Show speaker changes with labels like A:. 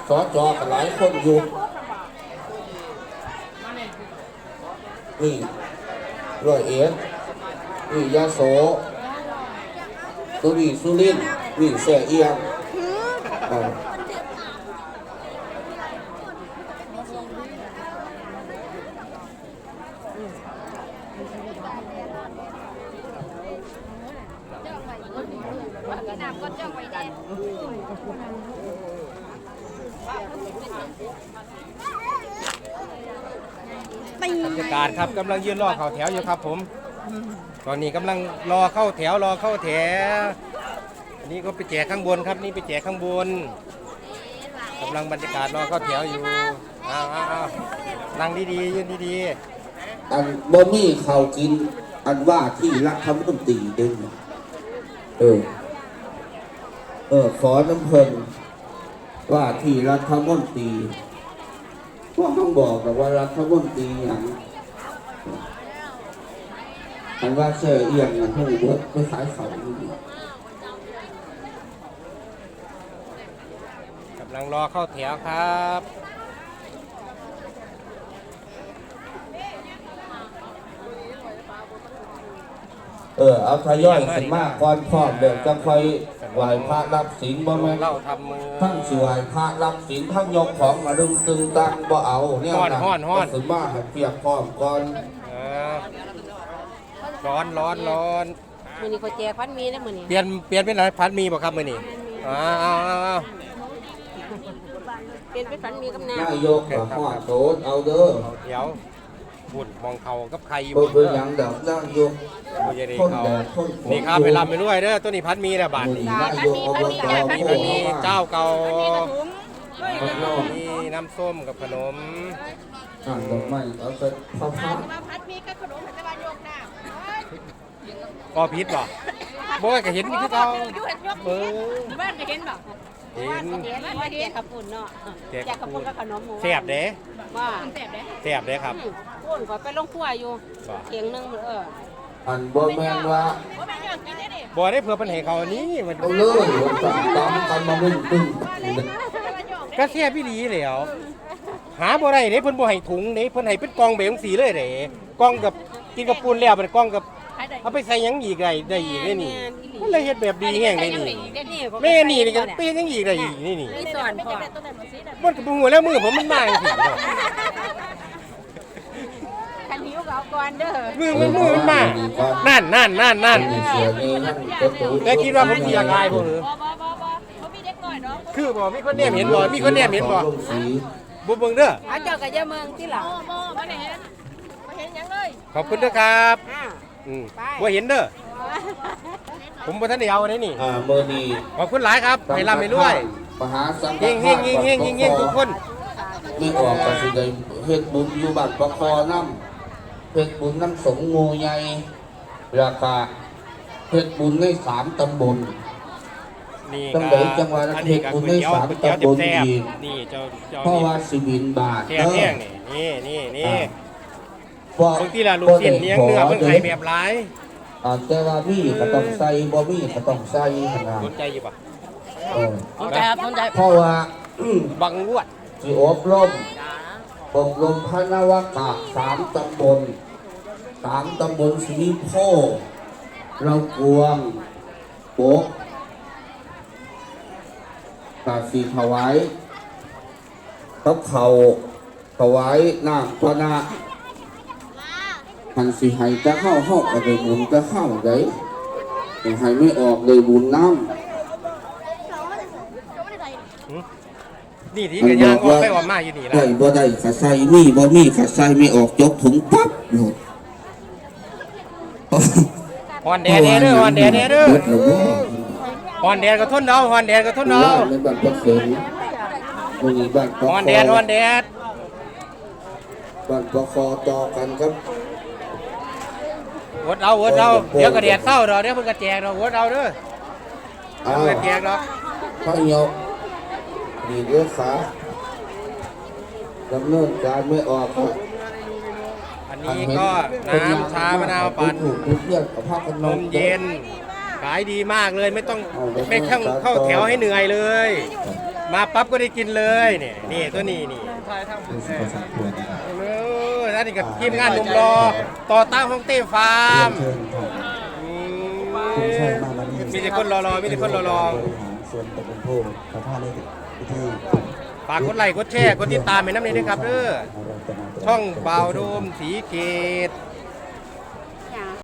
A: สจกันหลายคนอยู่นี่ร้อยเอ็ดนี่ยาโสตัวนี้สุรินทร์นี่แสเอียง
B: บรรยากาศครับกำลังยืนรอเข้าแถวอยู่ครับผมตอนนี้กำลังรอเข้าแถวอันนี้ก็ไปแจกข้างบนครับนี่ไปแจกข้างบนกำลังบรรยากาศรอเข้าแถวอยู่นั่งดีๆยืนดี
A: ๆอันบ่มีเขากินอันว่าที่รัฐมนตรีดึงขอน้ำเพลินว่าที่รัฐมนตรีพวกต้องบอกแต่ว่ารัฐมนตรีอย่างอันว่าเชื่อเอียงอย่างพวกเบิร์ดไม่ขายเขา
B: กำลังรอเข้าแถวครับ
A: เอาทยอยขึ้นมากก่อนพร้อมเดี๋ยวจะค่อยไหวพระรับศีลบ่แม่ทั้งสวยพระรับศีลทั้งยกของมาดึงตึงตังบ่เอาเนี่ยนะขึ้นมาให้เปียกพร้อมก่อน
B: ร้อน
C: มื้อนี้เขาแจกพันมีนะมื้อนี้
B: เปลี่ยนเป็นอะไรพันมีบ่ครับมื้อนี้
C: เปลี่ยนเป็นพันมีกับน้
A: ำนายกกับพ่อโสดเอาเด้อ
B: เดี๋ยวบุญมองเขากับใครอยู่
A: เป็นอย่างเดิมนายก
B: คนแดดนี่ครับไปลำไปด้วยเด้อตัวนี้พันมีนะบาท
A: นายกอบต
B: พันมีเจ้าเก่ามีน้ำส้มกับขนม
A: ดอกไม้เอาไป
C: พัดมีกับขนมจะมายกน้
B: ำก็พิษบ่บ่ก็เห็นคือเขา
C: บ้านก็เห็นบ่เห็นขับปุ่นเนาะแจกขับปุ่นกับขนมหมู
B: แซ่บเด้
C: ว่า
B: แซ่บเด้ครับ
C: ปุ่นก็ไปลงครัวอยู่เถียงนึง
A: อันบ่แม่นว่า
B: บ่ได้เพื่อปัญหาเขานี้มัน
A: เลยตามกันมาตึ้ง
B: ก็แซ่บพี่ดีแล้วหาบ่ได้เด้เพิ่นบ่ให้ถุงเด้เพิ่นให้เป็นกล่องแบบจังซี่เลยเด้กล่องกับกินกับปูนแล้วเป็นกล่องกับเอาไปใส่ยังอีกได้อีกนี่มันเลยเฮ็ดแบบดีแห้งเลยนี่แม่นี่ก็เปลี่ยนยังอีกได้อีกนี่
C: สอนพ่อ
B: มันก็บ่ฮู้แล้วมือผมมันมาจังซี่
C: คันหิวก็เอาก่อนเด้อ
B: มือมันมานั่นแต่คิดว่าผมสิอยากอายบ่หรือ
C: บ่มีเด็กน้อยเนาะ
B: คือบ่มีคนแนมเห็นบ่มีคนแนมเห็นบ่บ่เบิ่งเด้อ
C: เจ้าก็อย่าเมืองที่หลังบ่ได้เห็นหยังเลย
B: ขอบคุณเด้อครับบ่เห็นเด้อผมบ่ทันได้เอาได้นี่
A: มื้อนี้
B: ขอบคุณหลายครับให้ร่ำให้รวย
A: มหาสังฆ
B: ทานเฮงทุกคน
A: มีออกก็สิได้เฮ็ดบุญอยู่บ้านปะคอนำเฮ็ดบุญน้ำสงฆ์งูใหญ่ราคาเฮ็ดบุญใน3ตำบล
B: นี่
A: จังได๋จังว่าเฮ็ดบุญใน3ตำบลอีก
B: นี่เจ้า
A: เพราะว่าสิบินบาท
B: เด้อนี่บางทีล่ะลูกศิษย์เลี้ยงเนื้อเพิ่นให้แบบหลาย
A: แต่ว่ามีก็ต้องใส่บ่มีก็ต้องใส่ขนาด
B: สนใจอยู่ป่ะ
C: สนใจครับสนใจ
A: เพราะว่า
B: บังรวด
A: สิอบรมพระนวากะ3ตำบลสีโพเรากวงโปกตาสีถวายทับเข่าถวายน้ำพระนาหันสิให้จะเข้าก็ได้บุญจะเข้าได้ให้ไม่ออกเลยบุญน้ำ
B: นี่ที่กระยางออกไปออกมาอยู่นี่แล้ว
A: บ่ได้ขัดใส่มีบ่มีขัดใส่ไม่ออกยกถุงปั๊บ
B: ฮอนแดดเด้อฮอนแดดเด้อฮอนแดดก็ทนเอาฮอนแดดก็ทนเอา
A: ในบ้านปักเสงมีบ้าน
B: ฮอนแดด
A: บ้านปะคอต่อกันครับ
B: วดเอาเดี๋ยวก็แดดเศร้าดอกเดี๋ยวเพิ่นก็แจกดอกวดเอาเด้อเพิ่นก็แจกดอก
A: พระเหี่ยวดีเด้อขาดำเนินการไม่ออก
B: อันนี้ก็น้ำชามะนาวปั่นนมเย็นขายดีมากเลยไม่ต้องเข้าแถวให้เหนื่อยเลยมาปั๊บก็ได้กินเลยนี่นี่ตัวนี้นี่
D: รู้สึกพอสมควรนะครับ
B: เออนั่นนี่กับทีมงานหนุ่มรอต่อตั้งห้องเต้ฟาร์ม
D: เชิญครับ
B: อื
D: คุณชัย
B: ม
D: มามานี่
B: มีแต่คนรอๆมีแต่คนรอ
D: บริหารส่วนตำบลโพพระท่าในพิธี
B: ๆฝากกดไลค์กดแชร์กดติดตามให้น้ำนี้ด้วยครับเด้อช่องเบาโดมสีเกต